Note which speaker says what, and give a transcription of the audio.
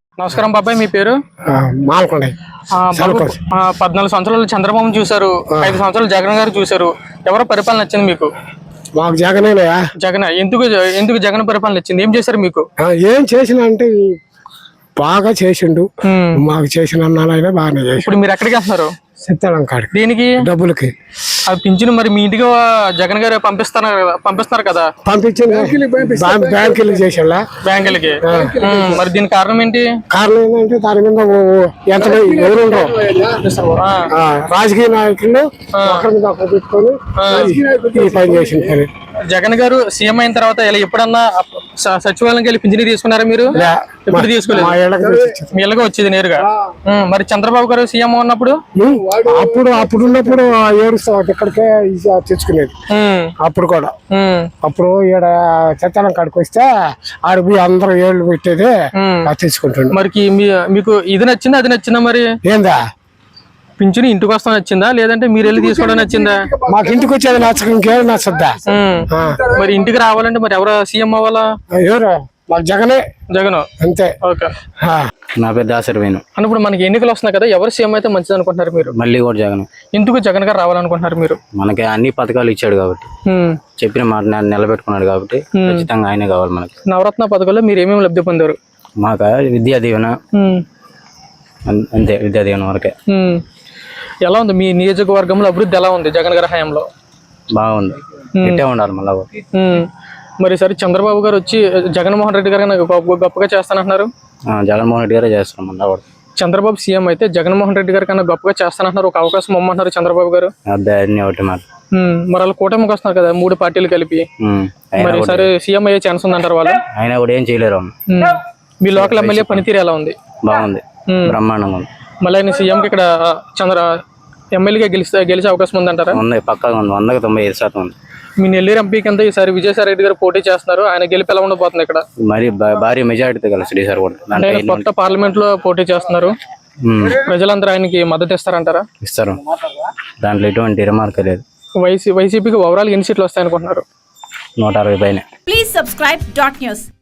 Speaker 1: నమస్కారం బాబాయ్, మీ పేరు?
Speaker 2: మాల్కొండ.
Speaker 1: 14 సంవత్సరాలు చంద్రబాబు చూశారు, 5 సంవత్సరాలు జగన్ గారు చూశారు. ఎవరో పరిపాలన నచ్చింది మీకు?
Speaker 2: మాకు జగనేనయా.
Speaker 1: జగన్. ఎందుకు జగన్ పరిపాలన నచ్చింది? ఏం చేశారు మీకు?
Speaker 2: ఏం చేసిన అంటే బాగా చేసిండు. మాకు చేసిన అన్నాలైనా బాగానే చేసి.
Speaker 1: ఇప్పుడు మీరు ఎక్కడికి వెళ్తున్నారు?
Speaker 2: సిద్ధాలం కాడికి.
Speaker 1: దీనికి
Speaker 2: డబ్బులకి
Speaker 1: అది పింఛను మరి మీ ఇంటికి జగన్ గారు పంపిస్తున్నారు కదా?
Speaker 2: పంపించింది బ్యాంకులు చేసేలా.
Speaker 1: బ్యాంకులకి. మరి దీని కారణం ఏంటి?
Speaker 2: కారణం ఏంటంటే దాని మీద ఎంత ఎవరు ఉండవు, రాజకీయ నాయకులు ఒకరి మీద ఒకరు పెట్టుకొని ఈ పని చేసిన పని.
Speaker 1: జగన్ గారు సీఎం అయిన తర్వాత ఇలా ఎప్పుడన్నా సచివాలయంకి వెళ్ళి పింఛను తీసుకున్నారా మీరు? ఎప్పుడు తీసుకోలేదు. మీ ఇళ్ళగా వచ్చేది నేరుగా. మరి చంద్రబాబు గారు సీఎం ఉన్నప్పుడు
Speaker 2: అప్పుడు ఉన్నప్పుడు ఏడుస్తా ఇక్కడికే తెచ్చుకునేది. అప్పుడు కూడా అప్పుడు ఈడ చెత్తనం కాడికి వస్తే ఆడికి పోయి అందరూ ఏళ్ళు పెట్టేది తెచ్చుకుంటుండే.
Speaker 1: మరి మీకు ఇది నచ్చిందా అది నచ్చిందా? మరి
Speaker 2: ఏందా
Speaker 1: పింఛను ఇంటికి వస్తా నచ్చిందా లేదంటే మీరు వెళ్ళి తీసుకోవడం నచ్చిందా?
Speaker 2: మాకు ఇంటికి వచ్చేది నచ్చక ఇంకేం నచ్చద్దా?
Speaker 1: మరి ఇంటికి రావాలంటే మరి ఎవరు సీఎం అవ్వాలా?
Speaker 2: ఎవరు? మాకు జగనే.
Speaker 1: జగన్
Speaker 2: అంతే.
Speaker 1: ఓకే.
Speaker 3: నా పేరు దాసరి వేణు.
Speaker 1: ఇప్పుడు మనకి ఎన్నికలు వస్తున్నాయి కదా, ఎవరు సీఎం అయితే మంచిది అనుకుంటున్నారు మీరు?
Speaker 3: మళ్ళీ కూడా జగన్.
Speaker 1: ఎందుకు జగన్ గారు రావాలనుకుంటున్నారు మీరు?
Speaker 3: మనకి అన్ని పథకాలు ఇచ్చాడు కాబట్టి, చెప్పిన మాట నిలబెట్టుకున్నాడు కాబట్టి ఖచ్చితంగా ఆయనే కావాలి మనకి.
Speaker 1: నవరత్న పథకాల్లో మీరు ఏమేమి లబ్ధి పొందారు?
Speaker 3: మాకు విద్యా దీవెన, అంతే విద్యా దీవెన వరకే.
Speaker 1: ఎలా ఉంది మీ నియోజకవర్గంలో అభివృద్ధి? ఎలా ఉంది జగన్ గారి హయాంలో?
Speaker 3: బాగుంది, ఇట్టే ఉండాలి మళ్ళా.
Speaker 1: మరి సరే చంద్రబాబు గారు వచ్చి జగన్మోహన్ రెడ్డి గారు నాకు గొప్పగా చేస్తానంటున్నారు.
Speaker 3: జగన్మోహన్ రెడ్డి గారే చేస్తాం మళ్ళా.
Speaker 1: చంద్రబాబు సీఎం అయితే జగన్మోహన్ రెడ్డి గారి కన్నా గొప్పగా చేస్తానంటున్నారు. ఒక అవకాశం ఇమ్మంటున్నారు చంద్రబాబు గారు.
Speaker 3: అన్నీ ఒకటి మాట.
Speaker 1: మరి వాళ్ళు కూటమికి వస్తున్నారు కదా 3 పార్టీలు కలిపి. మరి సరే సీఎం అయ్యే ఛాన్స్ ఉందంటారు వాళ్ళు?
Speaker 3: ఆయన కూడా ఏం చేయలేరు.
Speaker 1: మీ లోకల్ ఎమ్మెల్యే పనితీరు ఎలా ఉంది?
Speaker 3: బాగుంది, బ్రహ్మాండంగా ఉంది.
Speaker 1: మళ్ళీ ఆయన సీఎంకి ఇక్కడ ఎమ్మెల్యేగా గెలిచే అవకాశం ఉందంటారా?
Speaker 3: ఉంది, పక్కాగా ఉంది. 100కి 95% ఉంది.
Speaker 1: మీ నెల్లూరు ఎంపీ కింద ఈసారి విజయసాయి రెడ్డి గారు పోటీ చేస్తున్నారు. ఆయన గెలిపి ఎలా ఉండబోతుంది ఇక్కడ?
Speaker 3: మరి భారీ మెజారిటీతో కలిసి సార్ కూడా
Speaker 1: కొత్త పార్లమెంట్ లో పోటీ చేస్తున్నారు. ప్రజలందరూ ఆయనకి మద్దతు ఇస్తారంటారా?
Speaker 3: ఇస్తారు, దాంట్లో ఎటువంటి రిమార్క్ లేదు.
Speaker 1: వైసీపీకి ఓవరాల్ ఎన్ని సీట్లు వస్తాయనుకుంటున్నారు?
Speaker 3: 160 పైన.
Speaker 4: Please subscribe .news.